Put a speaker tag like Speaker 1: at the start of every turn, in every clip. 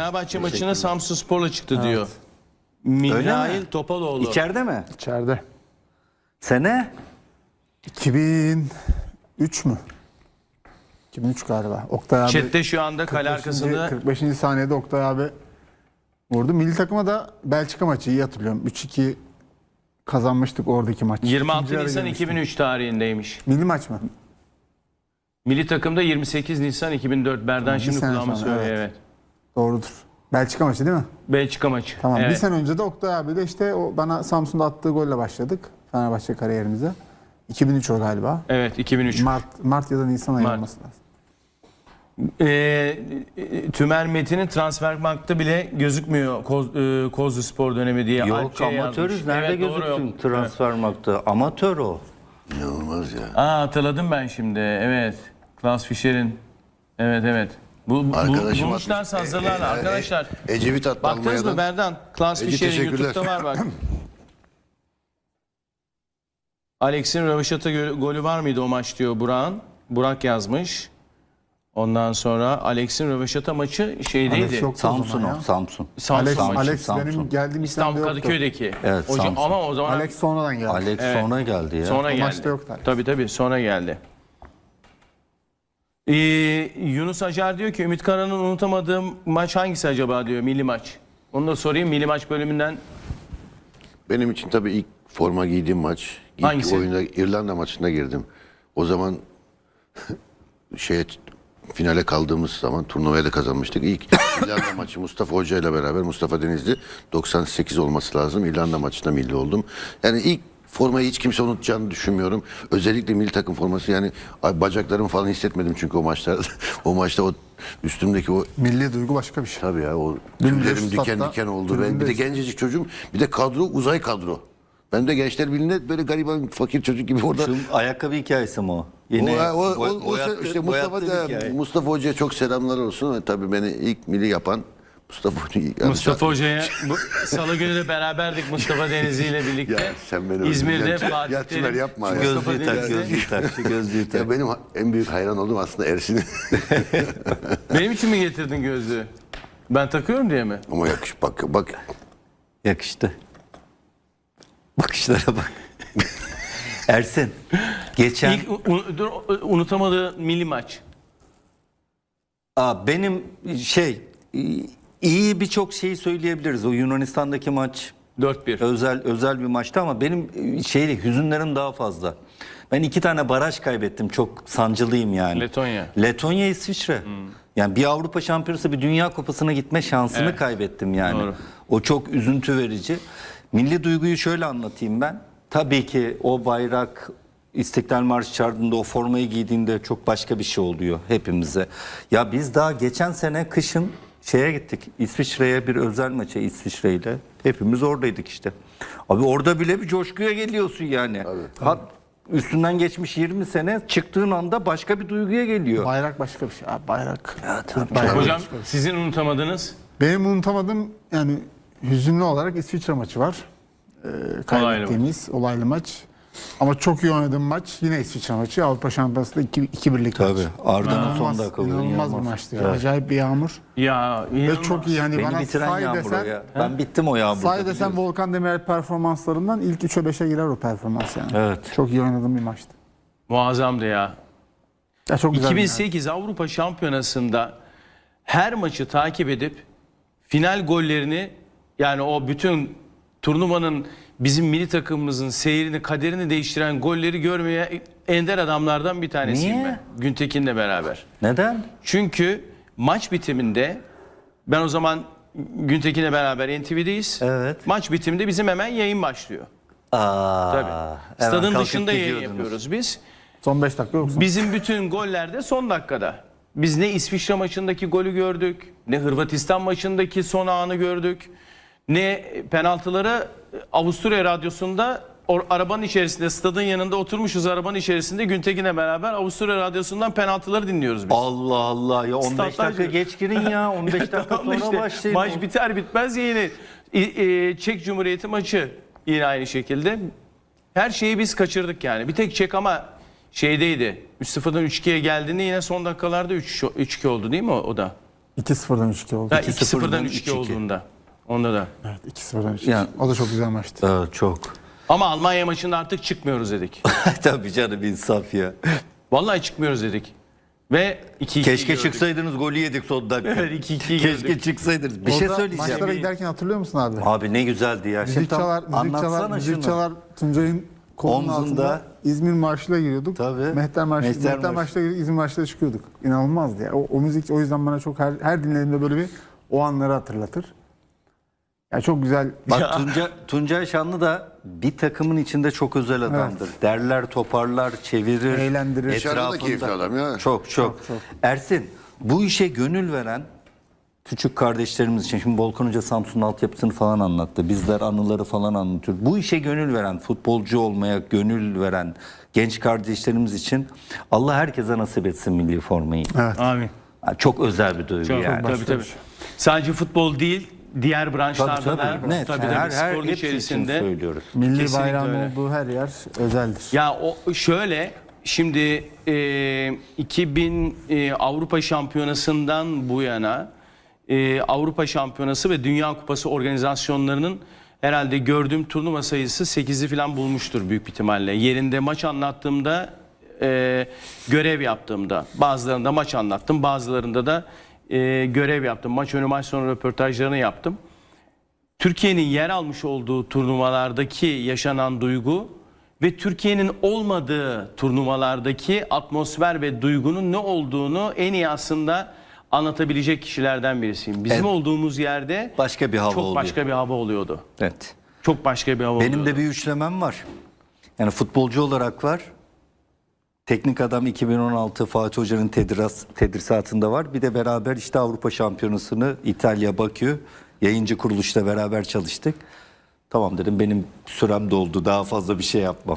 Speaker 1: Fenerbahçe maçına Samsunspor'la çıktı diyor. Mihail Topaloğlu.
Speaker 2: İçeride mi?
Speaker 3: İçeride.
Speaker 2: Sene?
Speaker 3: 2003 mü? 2003 galiba. Oktay abi.
Speaker 1: Chat'te şu anda kale arkasında
Speaker 3: 45. saniyede Oktay abi vurdu. Milli takıma da Belçika maçı iyi hatırlıyorum. 3-2 kazanmıştık oradaki maç.
Speaker 1: 26
Speaker 3: İkinci yarı
Speaker 1: Nisan
Speaker 3: girmiştik.
Speaker 1: 2003 tarihindeymiş.
Speaker 3: Milli maç mı?
Speaker 1: Milli takımda 28 Nisan 2004. Berdan
Speaker 3: Bir
Speaker 1: şimdi
Speaker 3: sene
Speaker 1: kulağıma
Speaker 3: sonra,
Speaker 1: söylüyor.
Speaker 3: evet.
Speaker 1: Evet.
Speaker 3: Doğrudur. Belçika maçı değil mi?
Speaker 1: Belçika maçı.
Speaker 3: Tamam.
Speaker 1: Evet.
Speaker 3: Bir sene önce de Oktay abi de işte o bana Samsun'da attığı golle başladık. Fenerbahçe kariyerimize. 2003 o galiba.
Speaker 1: Evet 2003.
Speaker 3: Mart ya da Nisan ayı
Speaker 1: Mart.
Speaker 3: olması lazım.
Speaker 1: Tümer Metin'in Transfermarkt'ta bile gözükmüyor Kozlu Spor dönemi diye.
Speaker 2: Yok,
Speaker 1: Alçı'ya
Speaker 2: amatörüz.
Speaker 1: yazmış.
Speaker 2: Nerede
Speaker 1: Evet, doğru,
Speaker 2: gözüksün
Speaker 1: yok.
Speaker 2: Transfermarkt'ta? Amatör o.
Speaker 4: İnanılmaz ya.
Speaker 1: Aa, hatırladım ben şimdi. Evet. Klaus Fischer'in. Evet.
Speaker 4: Arkadaşım
Speaker 1: Bulmuşlarsa hazırlarlar arkadaşlar.
Speaker 4: Ecevit attı
Speaker 1: Baktınız mı
Speaker 4: Almanya'dan.
Speaker 1: Berdan? Klaus
Speaker 4: Ece,
Speaker 1: Fischer'in
Speaker 4: teşekkürler.
Speaker 1: YouTube'da var bak. Alex'in röveşata golü var mıydı o maç diyor Burak'ın. Burak yazmış. Ondan sonra Alex'in röveşata maçı şeydeydi.
Speaker 3: Alex yoktu o
Speaker 2: Samsun
Speaker 3: zaman
Speaker 2: o.
Speaker 3: ya.
Speaker 2: Samsun.
Speaker 1: Samsun maçı.
Speaker 3: Alex
Speaker 2: Samsun.
Speaker 3: benim geldiğim
Speaker 1: İstanbul
Speaker 3: İstanbul'da yoktu.
Speaker 1: Kadıköy'deki.
Speaker 2: Evet,
Speaker 1: Hocam,
Speaker 2: Samsun.
Speaker 1: ama o zaman
Speaker 3: Alex sonradan geldi.
Speaker 2: Alex
Speaker 1: Evet.
Speaker 2: sonra geldi ya.
Speaker 1: sonra
Speaker 3: O
Speaker 1: geldi.
Speaker 3: maçta yoktu Alex.
Speaker 1: Tabii sonra geldi. Yunus Acar diyor ki Ümit Karan'ın unutamadığım maç hangisi acaba diyor, milli maç. Onu da sorayım, milli maç bölümünden.
Speaker 4: Benim için tabii ilk forma giydiğim maç. İlk
Speaker 1: Hangisi?
Speaker 4: oyunda İrlanda maçına girdim. O zaman finale kaldığımız zaman turnuvaya da kazanmıştık. İlk İrlanda maçı Mustafa Hoca ile beraber, Mustafa Denizli, 98 olması lazım. İrlanda maçında milli oldum. Yani ilk formayı hiç kimse unutacağını düşünmüyorum. Özellikle milli takım forması, yani bacaklarımı falan hissetmedim çünkü o maçlarda. O maçta o üstümdeki o,
Speaker 3: Milli duygu başka bir şey.
Speaker 4: tabii ya, o
Speaker 3: Dümdüz
Speaker 4: tüylerim diken
Speaker 3: statta,
Speaker 4: diken oldu. Ben bir de
Speaker 3: tribündeyiz.
Speaker 4: gencecik çocuğum. Bir de kadro uzay kadro. Ben de Gençler Birliği'nde böyle gariban fakir çocuk gibi orada.
Speaker 2: Şu ayakkabı hikayesi mi o?
Speaker 4: İşte Mustafa Hoca'ya çok selamlar olsun. Tabii beni ilk milli yapan Mustafa Hoca.
Speaker 1: Mustafa Hoca'ya salı günü de beraberdik Mustafa Denizli ile birlikte.
Speaker 4: Ya sen beni
Speaker 1: İzmir'de
Speaker 4: öldüreceksin.
Speaker 1: Fatih
Speaker 4: Ya Tümer
Speaker 1: Terim.
Speaker 4: yapma ya.
Speaker 1: Mustafa
Speaker 2: Gözlüğü tak,
Speaker 1: Denizli.
Speaker 2: gözlüğü tak, şu gözlüğü tak.
Speaker 4: Ya benim en büyük hayran olduğum aslında Ersin'in.
Speaker 1: Benim için mi getirdin gözlüğü? Ben takıyorum diye mi?
Speaker 4: Ama bak.
Speaker 2: Yakıştı. Bakışlara bak. Ersin, geçen...
Speaker 1: İlk unutamadığı milli maç.
Speaker 2: Benim iyi birçok şeyi söyleyebiliriz. O Yunanistan'daki maç
Speaker 1: 4-1.
Speaker 2: özel bir maçtı ama benim hüzünlerim daha fazla. Ben 2 tane baraj kaybettim. Çok sancılıyım yani. Letonya, İsviçre. Yani bir Avrupa Şampiyonası, bir Dünya Kupası'na gitme şansını kaybettim yani.
Speaker 1: Doğru.
Speaker 2: O çok üzüntü verici. Milli duyguyu şöyle anlatayım ben. Tabii ki o bayrak, İstiklal Marşı çağırdığında, o formayı giydiğinde çok başka bir şey oluyor hepimize. Ya biz daha geçen sene kışın gittik. İsviçre'ye, bir özel maça İsviçre'yle. Hepimiz oradaydık işte. Abi orada bile bir coşkuya geliyorsun yani. Tabii. Üstünden geçmiş 20 sene, çıktığın anda başka bir duyguya geliyor.
Speaker 3: Bayrak başka bir şey. Abi, bayrak.
Speaker 2: Ya, tabii.
Speaker 3: Bayrak
Speaker 1: Hocam
Speaker 3: başka bir şey.
Speaker 1: sizin unutamadığınız?
Speaker 3: Benim unutamadığım yani hüzünlü olarak İsviçre maçı var. Kaybettiğimiz olaylı maç. Ama çok iyi oynadığım maç yine İsviçre maçı. Avrupa Şampiyonası'nda 2-1'lik maç.
Speaker 2: Tabii. Arda'nın son dakika golü
Speaker 3: İnanılmaz bir maçtı ya. Acayip bir yağmur.
Speaker 1: Ya
Speaker 3: Ve çok iyi yani
Speaker 2: Beni
Speaker 3: bana
Speaker 2: bitiren
Speaker 3: say
Speaker 2: yağmur o
Speaker 3: desen,
Speaker 2: ya. Ben bittim o yağmurda.
Speaker 3: say desen Volkan Demirel performanslarından ilk 3'e 5'e girer o performans yani.
Speaker 2: Evet.
Speaker 3: Çok iyi oynadığım bir maçtı.
Speaker 1: muazzamdı ya.
Speaker 3: Ya çok güzel.
Speaker 1: 2008 Avrupa Şampiyonası'nda her maçı takip edip final gollerini, yani o bütün turnuvanın bizim milli takımımızın seyrini, kaderini değiştiren golleri görmeye ender adamlardan bir tanesiyim
Speaker 2: Niye?
Speaker 1: ben. Güntekin'le beraber.
Speaker 2: Neden?
Speaker 1: Çünkü maç bitiminde, ben o zaman Güntekin'le beraber NTV'deyiz.
Speaker 2: Evet.
Speaker 1: Maç bitiminde bizim hemen yayın başlıyor. Tabii.
Speaker 2: Hemen
Speaker 1: Stadın
Speaker 2: kalkıp
Speaker 1: dışında yayın
Speaker 2: gidiyordunuz.
Speaker 1: yapıyoruz biz.
Speaker 3: Son 5 dakika yoksa.
Speaker 1: Bizim bütün goller de son dakikada. Biz ne İsviçre maçındaki golü gördük, ne Hırvatistan maçındaki son anı gördük, ne penaltıları Avusturya Radyosu'nda arabanın içerisinde, stadın yanında oturmuşuz arabanın içerisinde Güntekin'le beraber Avusturya Radyosu'ndan penaltıları dinliyoruz biz.
Speaker 2: Allah Allah ya, 15
Speaker 1: Statlar
Speaker 2: dakika geç girin ya, 15 dakika
Speaker 1: Tamam
Speaker 2: sonra
Speaker 1: işte,
Speaker 2: başlayın.
Speaker 1: maç biter bitmez yine Çek Cumhuriyeti maçı yine aynı şekilde. Her şeyi biz kaçırdık yani. Bir tek Çek ama şeydeydi. 3-0'dan 3-2'ye geldiğinde yine son dakikalarda 3-2 oldu değil mi o da?
Speaker 3: 2-0'dan 3-2 oldu.
Speaker 1: Ha,
Speaker 2: 2-0'dan
Speaker 1: 2-0'dan 3-2
Speaker 2: 3-2
Speaker 1: olduğunda. Onda da.
Speaker 3: Evet, 2-0'dan 3-2.
Speaker 2: Yani-
Speaker 3: O da çok güzel maçtı.
Speaker 2: Çok.
Speaker 1: Ama Almanya maçında artık çıkmıyoruz dedik.
Speaker 2: Tabii canım, insaf ya.
Speaker 1: Vallahi çıkmıyoruz dedik. Ve 2-2
Speaker 2: Keşke
Speaker 1: gördük.
Speaker 2: çıksaydınız, golü yedik son dakika.
Speaker 1: Evet, 2-2
Speaker 2: Keşke
Speaker 1: gördük.
Speaker 2: çıksaydınız. Bir şey
Speaker 3: Orada
Speaker 2: söyleyeceğim.
Speaker 3: Maçlara giderken hatırlıyor musun abi?
Speaker 2: Abi ne güzeldi ya.
Speaker 3: Müzik çalar, müzik çalar. Tuncay'ın kolunun
Speaker 2: Omzunda.
Speaker 3: altında İzmir Marşı'yla giriyorduk.
Speaker 2: Tabii.
Speaker 3: Mehter
Speaker 2: Marşı.
Speaker 3: Marşı'la İzmir Marşı'la çıkıyorduk. İnanılmazdı ya. O müzik o yüzden bana çok her dinlediğimde böyle bir o anları hatırlatır. Ya çok güzel.
Speaker 2: Bak Tuncay Şanlı da bir takımın içinde çok özel adamdır. Derler, toparlar, çevirir.
Speaker 3: Eğlendirir.
Speaker 4: Dışarıda da keyifli adam ya.
Speaker 2: Çok. Ersin, bu işe gönül veren küçük kardeşlerimiz için, şimdi Volkan Hoca Samsun'un altyapısını falan anlattı. Bizler anıları falan anlatıyor. Bu işe gönül veren, futbolcu olmaya gönül veren genç kardeşlerimiz için Allah herkese nasip etsin milli formayı.
Speaker 3: Evet.
Speaker 1: Amin.
Speaker 2: Çok özel bir duygu
Speaker 1: Çok,
Speaker 2: yani.
Speaker 1: tabii. Sadece futbol değil, diğer branşlarda da
Speaker 2: Net.
Speaker 1: tabii
Speaker 2: Her
Speaker 1: sporun
Speaker 2: hepsi için
Speaker 1: içerisinde.
Speaker 2: söylüyoruz.
Speaker 3: Milli
Speaker 1: Kesinlikle
Speaker 3: bayrağın
Speaker 1: öyle.
Speaker 3: olduğu her yer özeldir.
Speaker 1: Ya o şöyle, şimdi 2000 Avrupa Şampiyonası'ndan bu yana Avrupa Şampiyonası ve Dünya Kupası organizasyonlarının herhalde gördüğüm turnuva sayısı 8'i falan bulmuştur büyük ihtimalle. Yerinde maç anlattığımda, görev yaptığımda, bazılarında maç anlattım, bazılarında da görev yaptım. Maç önü maç sonu röportajlarını yaptım. Türkiye'nin yer almış olduğu turnuvalardaki yaşanan duygu ve Türkiye'nin olmadığı turnuvalardaki atmosfer ve duygunun ne olduğunu en iyi aslında anlatabilecek kişilerden birisiyim. Bizim
Speaker 2: Evet.
Speaker 1: olduğumuz yerde
Speaker 2: Başka bir hava
Speaker 1: çok
Speaker 2: oluyor.
Speaker 1: başka bir hava oluyordu.
Speaker 2: Evet.
Speaker 1: Çok başka bir hava
Speaker 2: Benim
Speaker 1: oluyordu.
Speaker 2: de bir üçlemem var. Yani futbolcu olarak var. Teknik adam 2016 Fatih Hoca'nın tedrisatında var. Bir de beraber işte Avrupa Şampiyonası'nı İtalya, Bakü yayıncı kuruluşla beraber çalıştık. Tamam dedim, benim sürem doldu. Daha fazla bir şey yapmam.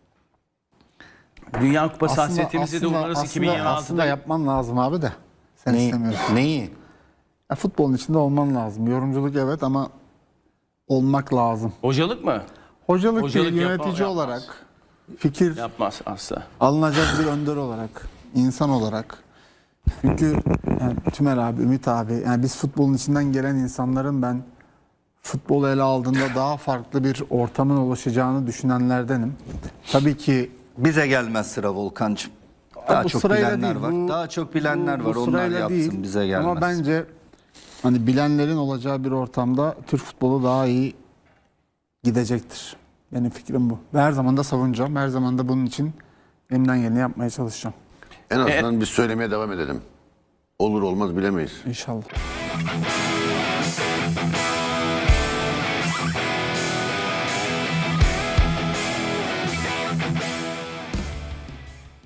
Speaker 1: Dünya Kupası hasretimizi de umarız
Speaker 3: aslında
Speaker 1: 2026'da.
Speaker 3: yapman lazım abi de. Sen istemiyorsun.
Speaker 2: Neyi?
Speaker 3: Ya futbolun içinde olman lazım. Yorumculuk evet ama olmak lazım.
Speaker 1: Hocalık mı?
Speaker 3: Hocalık,
Speaker 1: Hocalık
Speaker 3: değil, yönetici
Speaker 1: yapmaz.
Speaker 3: olarak, fikir
Speaker 1: Yapmaz asla.
Speaker 3: alınacak bir önder olarak, insan olarak. Çünkü yani Tümer abi, Ümit abi, yani biz futbolun içinden gelen insanların ben futbolu ele aldığında daha farklı bir ortamın oluşacağını düşünenlerdenim. Tabii ki
Speaker 2: Bize gelmez sıra Volkan'cığım. Daha
Speaker 3: bu
Speaker 2: çok
Speaker 3: sırayla
Speaker 2: bilenler
Speaker 3: değil,
Speaker 2: var. Daha çok bilenler
Speaker 3: bu
Speaker 2: var. Onlar
Speaker 3: sırayla
Speaker 2: yapsın,
Speaker 3: değil.
Speaker 2: bize gelmez.
Speaker 3: Ama bence hani bilenlerin olacağı bir ortamda Türk futbolu daha iyi gidecektir. Benim fikrim bu. Ve her zaman da savunacağım. Her zaman da bunun için elimden geleni yapmaya çalışacağım.
Speaker 4: En azından biz söylemeye devam edelim. Olur olmaz bilemeyiz.
Speaker 3: İnşallah.